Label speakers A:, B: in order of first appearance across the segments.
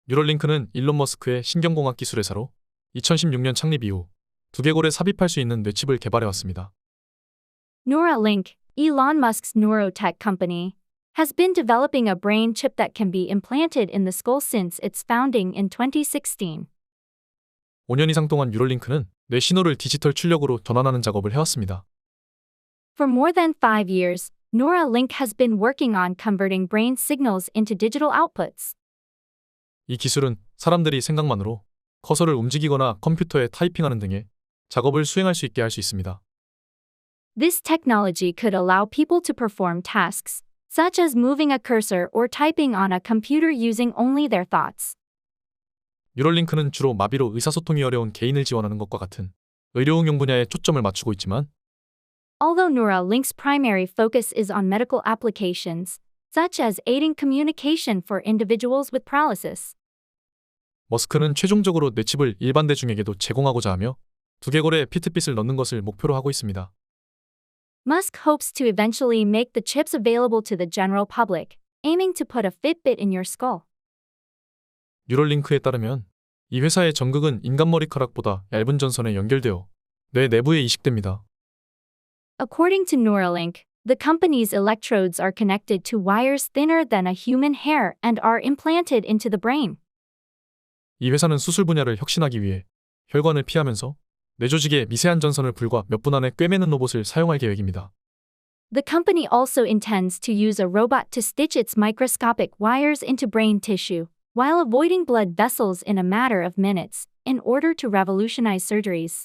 A: 뉴럴링크는 일론 머스크의 신경공학 기술 회사로 2016년 창립 이후 두개골에 삽입할 수 있는 뇌칩을 개발해왔습니다.
B: Neuralink, Elon Musk's neurotech company, has been developing a brain chip that can be implanted in the skull since its founding in 2016.
A: 5년 이상 동안 뉴럴링크는 뇌 신호를 디지털 출력으로 전환하는 작업을 해왔습니다.
B: For more than 5 years, Neuralink has been working on converting brain signals into digital outputs.
A: 이 기술은 사람들이 생각만으로 커서를 움직이거나 컴퓨터에 타이핑하는 등의 작업을 수행할 수 있게 할 수 있습니다.
B: This technology could allow people to perform tasks, such as moving a cursor or typing on a computer using only their thoughts.
A: 뉴럴링크는 주로 마비로 의사소통이 어려운 개인을 지원하는 것과 같은 의료응용 분야에 초점을 맞추고 있지만
B: Although Neuralink's primary focus is on medical applications, such as aiding communication for individuals with paralysis,
A: 머스크는 최종적으로 뇌칩을 일반 대중에게도 제공하고자 하며 두개골에 피트빛을 넣는 것을 목표로 하고 있습니다.
B: Musk hopes to eventually make the chips available to the general public, aiming to put a Fitbit in your skull.
A: 뉴럴링크에 따르면 이 회사의 전극은 인간 머리카락보다 얇은 전선에 연결되어 뇌 내부에 이식됩니다.
B: According to Neuralink, the company's electrodes are connected to wires thinner than a human hair and are implanted into the brain.
A: 이 회사는 수술 분야를 혁신하기 위해 혈관을 피하면서 뇌 조직에 미세한 전선을 불과 몇 분 안에 꿰매는 로봇을 사용할 계획입니다.
B: The company also intends to use a robot to stitch its microscopic wires into brain tissue, while avoiding blood vessels in a matter of minutes, in order to revolutionize surgeries.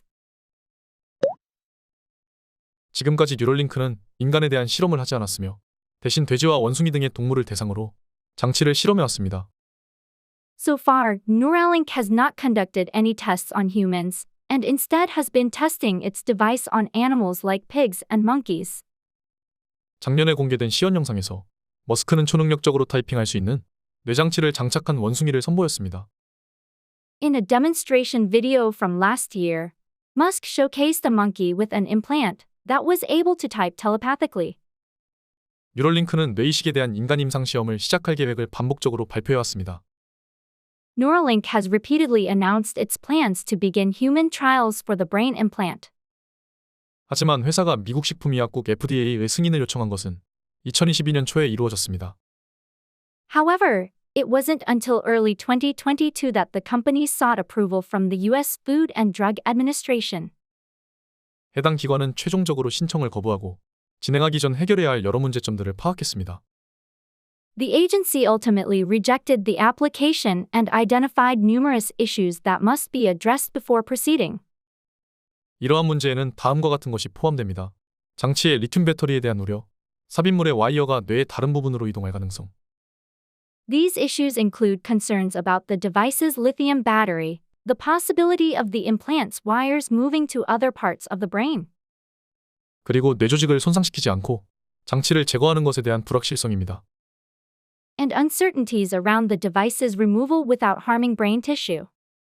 A: 지금까지 뉴럴링크는 인간에 대한 실험을 하지 않았으며 대신 돼지와 원숭이 등의 동물을 대상으로 장치를 실험해왔습니다.
B: So far, Neuralink has not conducted any tests on humans, and instead has been testing its device on animals like pigs and monkeys.
A: 작년에 공개된 시연 영상에서 머스크는 초능력적으로 타이핑할 수 있는 뇌장치를 장착한 원숭이를 선보였습니다.
B: In a demonstration video from last year, Musk showcased a monkey with an implant that was able to type telepathically.
A: 뉴럴링크는 뇌이식에 대한 인간 임상 시험을 시작할 계획을 반복적으로 발표해왔습니다.
B: Neuralink has repeatedly announced its plans to begin human trials for the brain implant.
A: 하지만 회사가 미국 식품의약국 FDA의 승인을 요청한 것은 2022년 초에 이루어졌습니다.
B: However, it wasn't until early 2022 that the company sought approval from the U.S. Food and Drug Administration.
A: 해당 기관은 최종적으로 신청을 거부하고 진행하기 전 해결해야 할 여러 문제점들을 파악했습니다.
B: The agency ultimately rejected the application and identified numerous issues that must be addressed before proceeding.
A: 이러한 문제에는 다음과 같은 것이 포함됩니다. 장치의 리튬 배터리에 대한 우려, 삽입물의 와이어가 뇌의 다른 부분으로 이동할 가능성.
B: These issues include concerns about the device's lithium battery, the possibility of the implant's wires moving to other parts of the brain,
A: 그리고 뇌 조직을 손상시키지 않고 장치를 제거하는 것에 대한 불확실성입니다.
B: and uncertainties around the device's removal without harming brain tissue.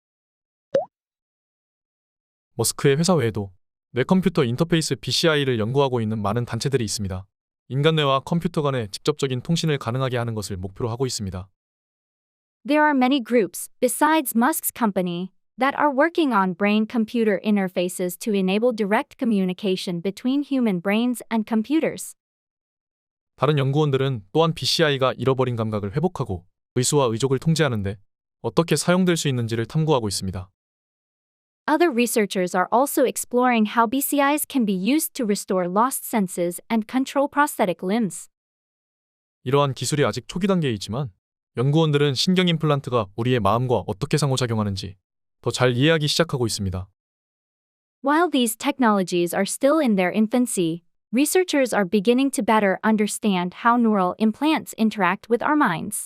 A: 머스크의 회사 외에도 뇌컴퓨터 인터페이스 BCI를 연구하고 있는 많은 단체들이 있습니다. 인간 뇌와 컴퓨터 간의 직접적인 통신을 가능하게 하는 것을 목표로 하고 있습니다.
B: There are many groups, besides Musk's company, that are working on brain-computer interfaces to enable direct communication between human brains and computers.
A: 다른 연구원들은 또한 BCI가 잃어버린 감각을 회복하고 의수와 의족을 통제하는 데 어떻게 사용될 수 있는지를 탐구하고 있습니다.
B: Other researchers are also exploring how BCIs can be used to restore lost senses and control prosthetic limbs.
A: 이러한 기술이 아직 초기 단계에 있지만 연구원들은 신경 임플란트가 우리의 마음과 어떻게 상호작용하는지 더 잘 이해하기 시작하고 있습니다.
B: While these technologies are still in their infancy, researchers are beginning to better understand how neural implants interact with our minds.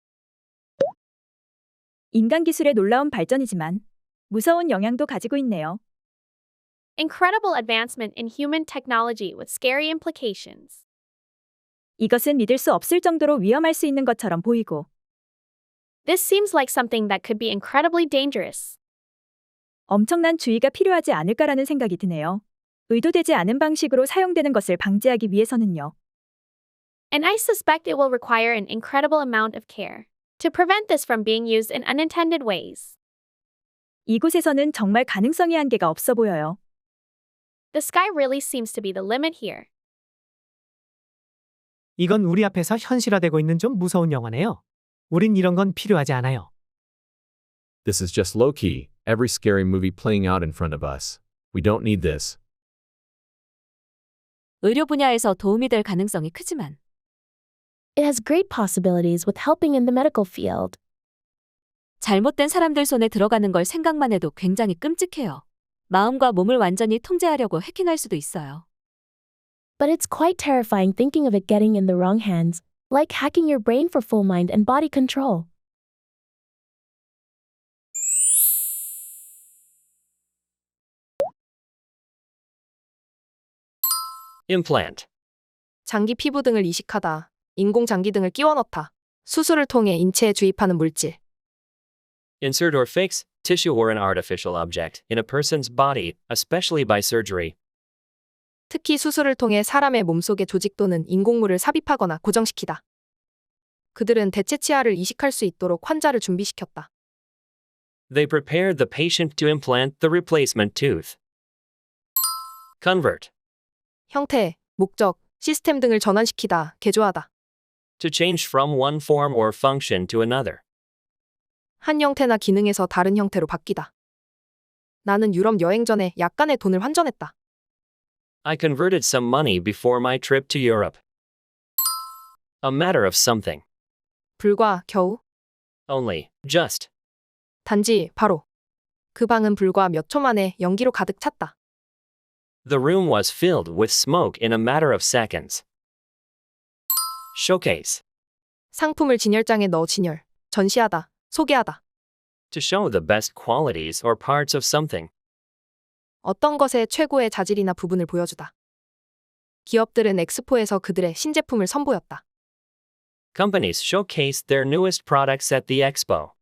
C: 인간 기술의 놀라운 발전이지만 무서운 영향도 가지고 있네요.
D: Incredible advancement in human technology with scary implications.
C: 이것은 믿을 수 없을 정도로 위험할 수 있는 것처럼 보이고
D: This seems like something that could be incredibly dangerous.
C: 엄청난 주의가 필요하지 않을까라는 생각이 드네요. 의도되지 않은 방식으로 사용되는 것을 방지하기 위해서는요.
D: And I suspect it will require an incredible amount of care. to prevent this from being used in unintended ways.
C: 이곳에서는 정말 가능성의 한계가 없어 보여요.
D: The sky really seems to be the limit here.
E: 이건 우리 앞에서 현실화되고 있는 좀 무서운 영화네요. 우린 이런 건 필요하지 않아요.
F: This is just low-key, every scary movie playing out in front of us. We don't need this.
G: 의료 분야에서 도움이 될 가능성이 크지만
H: It has great possibilities with helping in the medical field.
G: 잘못된 사람들 손에 들어가는 걸 생각만 해도 굉장히 끔찍해요. 마음과 몸을 완전히 통제하려고 해킹할 수도 있어요.
H: But it's quite terrifying thinking of it getting in the wrong hands, like hacking your brain for full mind and body control.
I: implant,
J: 장기 피부 등을 이식하다, 인공 장기 등을 끼워 넣다, 수술을 통해 인체에 주입하는 물질.
I: insert or fix tissue or an artificial object in a person's body, especially by surgery.
J: 특히 수술을 통해 사람의 몸속에 조직 또는 인공물을 삽입하거나 고정시키다. 그들은 대체 치아를 이식할 수 있도록 환자를 준비시켰다.
I: They prepared the patient to implant the replacement tooth. convert,
J: 형태, 목적, 시스템 등을 전환시키다, 개조하다.
I: to change from one form or function to another.
J: 한 형태나 기능에서 다른 형태로 바뀌다. 나는 유럽 여행 전에 약간의 돈을 환전했다.
I: I converted some money before my trip to Europe. A matter of something.
J: 불과, 겨우,
I: Only, just.
J: 단지, 바로. 그 방은 불과 몇 초 만에 연기로 가득 찼다.
I: The room was filled with smoke in a matter of seconds. Showcase.
J: 상품을 진열장에 넣어 진열, 전시하다, 소개하다.
I: To show the best qualities or parts of something.
J: 어떤 것의 최고의 자질이나 부분을 보여주다. 기업들은 엑스포에서 그들의 신제품을 선보였다.
I: Companies showcased their newest products at the expo.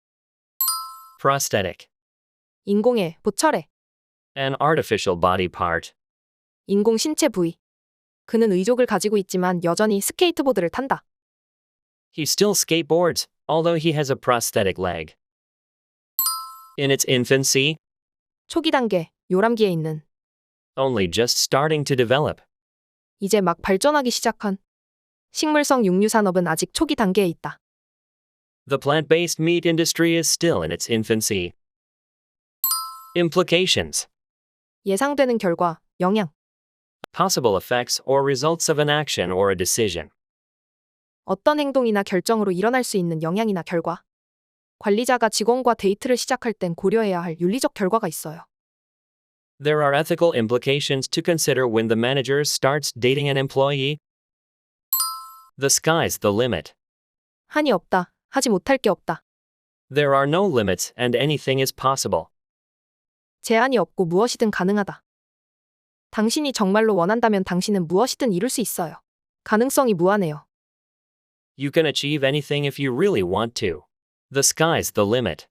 I: Prosthetic.
J: 인공의, 보철의,
I: An artificial body part.
J: 인공 신체 부위. 그는 의족을 가지고 있지만 여전히 스케이트보드를 탄다.
I: He still skateboards, although he has a prosthetic leg. In its infancy,
J: 초기 단계, 요람기에 있는,
I: only just starting to develop.
J: 이제 막 발전하기 시작한. 식물성 육류 산업은 아직 초기 단계에 있다.
I: The plant-based meat industry is still in its infancy. Implications.
J: 예상되는 결과, 영향.
I: Possible effects or results of an action or a decision.
J: 어떤 행동이나 결정으로 일어날 수 있는 영향이나 결과. 관리자가 직원과 데이트를 시작할 땐 고려해야 할 윤리적 결과가 있어요.
I: There are ethical implications to consider when the manager starts dating an employee. The sky's the limit.
J: 한이 없다, 하지 못할 게 없다.
I: There are no limits and anything is possible.
J: 제한이 없고 무엇이든 가능하다. 당신이 정말로 원한다면 당신은 무엇이든 이룰 수 있어요. 가능성이 무한해요.
I: You can achieve anything if you really want to. The sky's the limit.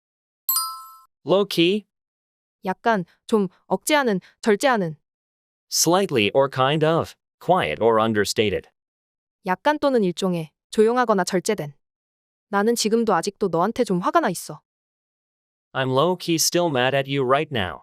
I: Low-key,
J: 약간, 좀, 억제하는, 절제하는,
I: slightly or kind of, quiet or understated.
J: 약간 또는 일종의, 조용하거나 절제된. 나는 지금도 아직도 너한테 좀 화가 나 있어.
I: I'm low-key still mad at you right now.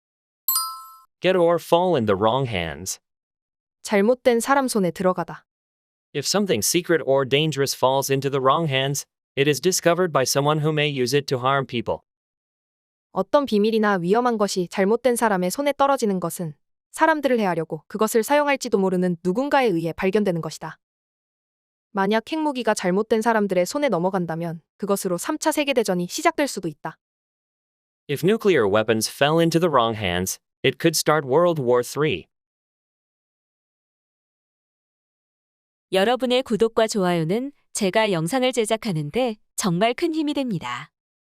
I: Get or fall in the wrong hands.
J: 잘못된 사람 손에 들어가다.
I: If something secret or dangerous falls into the wrong hands, it is discovered by someone who may use it to harm people.
J: 어떤 비밀이나 위험한 것이 잘못된 사람의 손에 떨어지는 것은 사람들을 해하려고 그것을 사용할지도 모르는 누군가에 의해 발견되는 것이다. 만약 핵무기가 잘못된 사람들의 손에 넘어간다면 그것으로 3차 세계대전이 시작될 수도 있다.
I: If nuclear weapons fell into the wrong hands, it could start World War III.
G: 여러분의 구독과 좋아요는 제가 영상을 제작하는데 정말 큰 힘이 됩니다.